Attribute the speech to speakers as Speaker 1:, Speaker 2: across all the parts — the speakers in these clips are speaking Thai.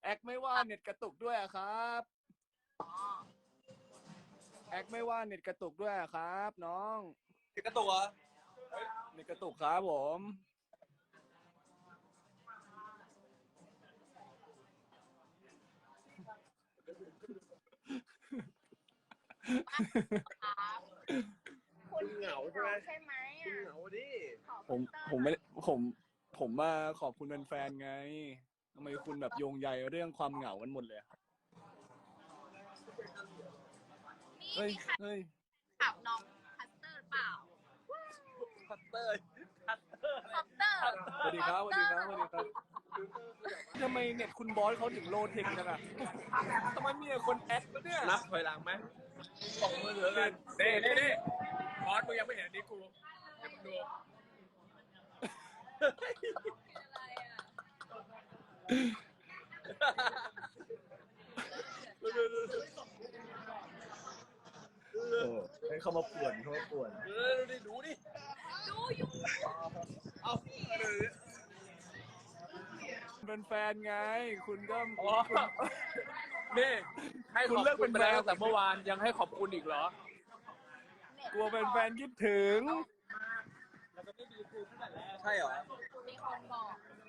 Speaker 1: คไม่ว่าเน็ตกระตุกด้วยอะครับแอคไม่ว่าเน็ตกระตุกด้วยอะครับน้อง
Speaker 2: กระตุกเหรอ
Speaker 1: เน็ตกระตุกครับผม
Speaker 3: คุณเหงาใช่ไหม
Speaker 2: คุณเหงาดิ
Speaker 1: ผมไม่ผมมาขอบคุณแฟนๆไงทำไมคุณแบบโยงใยเรื่องความเหงากันหมดเลยอะ
Speaker 3: นี่
Speaker 1: เฮ้ย
Speaker 3: มีใคร
Speaker 1: เฮ้ย
Speaker 3: ถามน้องคัสเตอร์เปล่า
Speaker 2: คัตเตอร์
Speaker 3: คัสเตอร์
Speaker 1: สวัสดีครับสวัสดีครับสวัสดีครับทำไมเน็ตคุณบอสเขาถึงโลเทคจังอะทำไมมีแต่คนแอดวะเนี่ย
Speaker 2: นับถอยหลังไหมส่งมือถือกันนี่บอสมึงยังไม่เห็นอันนี้กูให้มึงดู
Speaker 1: ให้เขามาป่วน
Speaker 2: ดูดิดูอยู่เอา
Speaker 1: เป็นแฟนไง คุณก็
Speaker 2: นี่ให้ขอบ
Speaker 1: คุณเลิก
Speaker 2: คุ
Speaker 1: เป็
Speaker 2: ณ
Speaker 1: น
Speaker 2: ไป
Speaker 1: แฟน
Speaker 2: แล้วแต่เมื่อวานยังให้ขอบคุณอีกเหรอ
Speaker 1: กลัวเป็นแฟนคิดถึง
Speaker 2: ใช่เหรอ
Speaker 3: มีคนบอก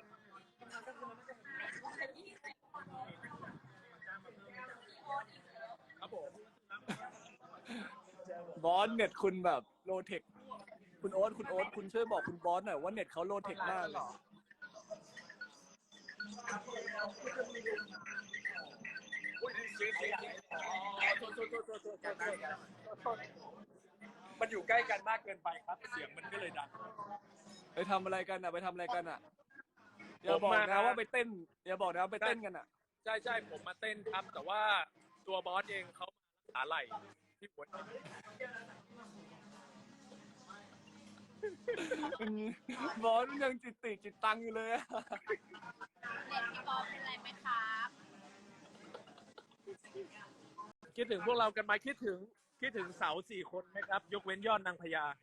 Speaker 2: ครับผม
Speaker 1: บอสเน็ตคุณแบบโลเทคคุณโอ๊ตคุณช่วยบอกคุณบอสหน่อยว่าเน็ตเขาโลเทคมากเลย
Speaker 2: มันอยู่ใกล้กันมากเกินไปครับ เสียงมันก็เลยดัง
Speaker 1: ไปทำอะไรกันอ่ะอย่าบอกนะว่าไปเต้นอย่าบอกนะว่าไปเต้นกันอ่ะ
Speaker 2: ใช่ผมมาเต้นครับ แต่ว่าตัวบอสเองเขามารักษาไหล่ที่หัวใจ
Speaker 1: บอสมันยังจิตตังอยู่เลยอะ
Speaker 3: เน็ตพี่บอลเป็นไรไหมครับ
Speaker 2: คิดถึงพวกเรากันไหมคิดถึงเสา4 คนไหมครับ ยกเว้นยอดนางพญา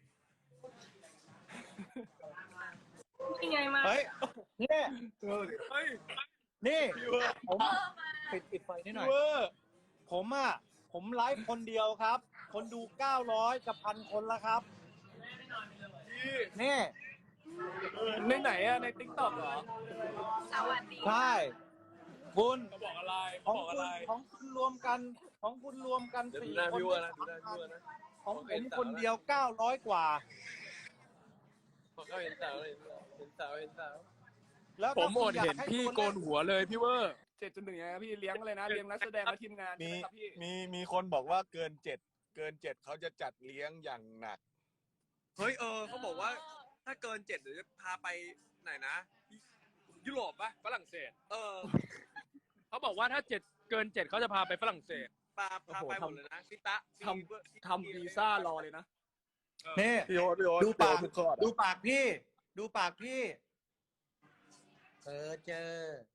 Speaker 3: ยังไงมา
Speaker 4: เฮ้ยนี่
Speaker 2: เฮ้ย
Speaker 4: นี่ผม
Speaker 3: เออมา
Speaker 4: ปิดไฟนิดหน่อยผมไลฟ์คนเดียวครับ คนดู900กับ1,000 คนแล้วครับนี่
Speaker 1: ในไหนอะในติ๊กต็อกเหรอ
Speaker 3: สวัสดี
Speaker 4: ใช่คุณ
Speaker 2: เขาบอกอะไร
Speaker 4: ของคุณรวมกัน4 คน ของผมคนเดียว900 กว่า
Speaker 2: เห็นสาว
Speaker 4: แล้ว
Speaker 2: ผม
Speaker 4: ถ้า
Speaker 2: อ
Speaker 4: คุ
Speaker 2: ด
Speaker 4: ณอยา
Speaker 2: เห็น
Speaker 4: ให้
Speaker 2: พี่
Speaker 4: ตัว
Speaker 2: โกนหัวเลยพี่เวอร์
Speaker 1: 7.1ไงพี่เลี้ยงอะไรนะเลี้ยงนักแสดงและทีมงาน
Speaker 5: มี
Speaker 1: ใช่ไหมครับพี่
Speaker 5: มีคนบอกว่าเกิน 7เขาจะจัดเลี้ยงอย่างหนัก
Speaker 2: เฮ้ยเขาบอกว่าถ้าเกิน 7เดี๋ยวจะพาไปไหนนะ ยุโรปปะฝรั่งเศส เขาบอกว่าถ้าเกิน 7เขาจะพาไปฝรั่งเศสพาไปหมดเลยนะพี่ตะ
Speaker 1: ทำวีซ่ารอเลยนะ
Speaker 4: นี่
Speaker 5: พี่โอ๊ต
Speaker 4: ดูปาก
Speaker 5: ทุกข้อ
Speaker 4: ดูปากพี่ เจอ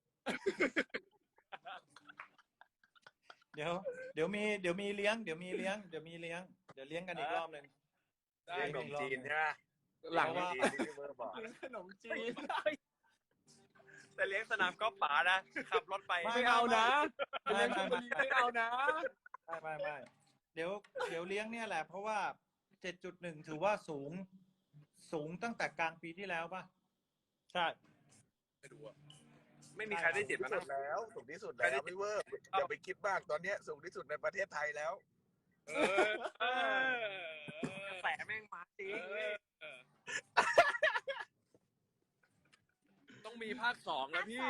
Speaker 4: เดี๋ยวมีเลี้ยงกันอีกรอบหนึ่ง
Speaker 2: ได้
Speaker 5: ขนมจีนใช่ไหม
Speaker 1: หลัง
Speaker 5: จีนที่พี่เบอร์บอก
Speaker 1: ขนมจีน
Speaker 2: แต่เลี้ยงสนามกอล์ฟป๋านะขับรถไป
Speaker 1: ไม่เอานะ
Speaker 4: ไม่
Speaker 1: ไม่เอานะ
Speaker 4: ไม่เดี๋ยวเลี้ยงเนี่ยแหละ เพราะว่า 7.1 ถือว่าสูงตั้งแต่กลางปีที่แล้วป่ะ ใช่
Speaker 2: ไม่รู้อะไม่มีใครได้7
Speaker 5: ที่
Speaker 2: มา
Speaker 5: สุ
Speaker 2: นะ
Speaker 5: ดแล้วสูงที่สุดแล้วพี่เบอร์อย่าไปคิดมากตอนเนี้ยสูงที่สุดในประเทศไทยแล้ว
Speaker 2: กระแสแม่งมาจริงต้องมีภาค 2 แล้วพี่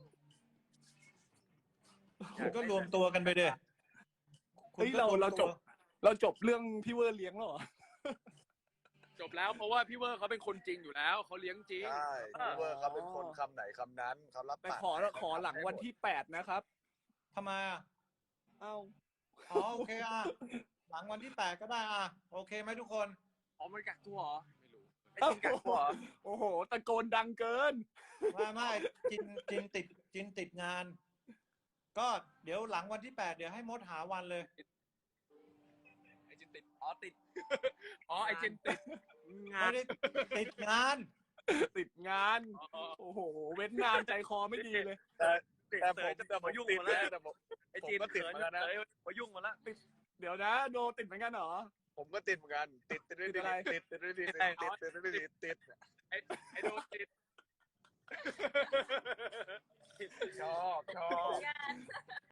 Speaker 4: คุณก็รวมตัวกันไปเด้
Speaker 1: เฮ้ยเราจบเรื่องพี่เวอร์เลี้ยงแล้วเหรอ
Speaker 2: จบแล้วเพราะว่าพี่เวอร์เขาเป็นคนจริงอยู่แล้วเขาเลี้ยงจริง
Speaker 5: ใช่พี่เบอร์เขาเป็นคนคำไหนคำนั้นเขารับ
Speaker 1: แต่
Speaker 5: ปาก
Speaker 1: ขอหลังวันที่8นะครับ
Speaker 4: ทำไมอ่ะ
Speaker 1: เอ้า
Speaker 4: โอเคอ่ะ หลังวันที่8ก็ได้อ่ะ โอเคไหมทุกคน
Speaker 2: อ๋อมันกักตัวเหรอไม่รู้
Speaker 1: เอ้าโอ้โหตะโกนดังเกิน
Speaker 4: ไม่จินติดงาน ก็เดี๋ยวหลังวันที่8เดี๋ยวให้มดหาวันเลย
Speaker 2: ไอจินติดติดไอจินติดงา
Speaker 4: ไม่
Speaker 2: น
Speaker 4: ได้ติดงาน
Speaker 1: ติดงาน โอ้โห เว้นงานใจคอไม่ดีเลย
Speaker 5: แต่ผม
Speaker 2: แต่มายุ่ง
Speaker 5: ติด
Speaker 2: มา
Speaker 5: เล
Speaker 2: แล้ว
Speaker 5: ยแต่ผม
Speaker 2: ไอ้จีน
Speaker 5: ผมก็ติดเหมือนกันนะ
Speaker 2: มายุ่งมาแล้ว
Speaker 1: เดี๋ยวนะ โดติดเหมือนกันเหรอ
Speaker 5: ผมก็ติดเหมือนกันติด
Speaker 1: ติดอะไร
Speaker 5: ติด
Speaker 2: ไอ้โดนจีน
Speaker 5: ชอบ
Speaker 3: งาน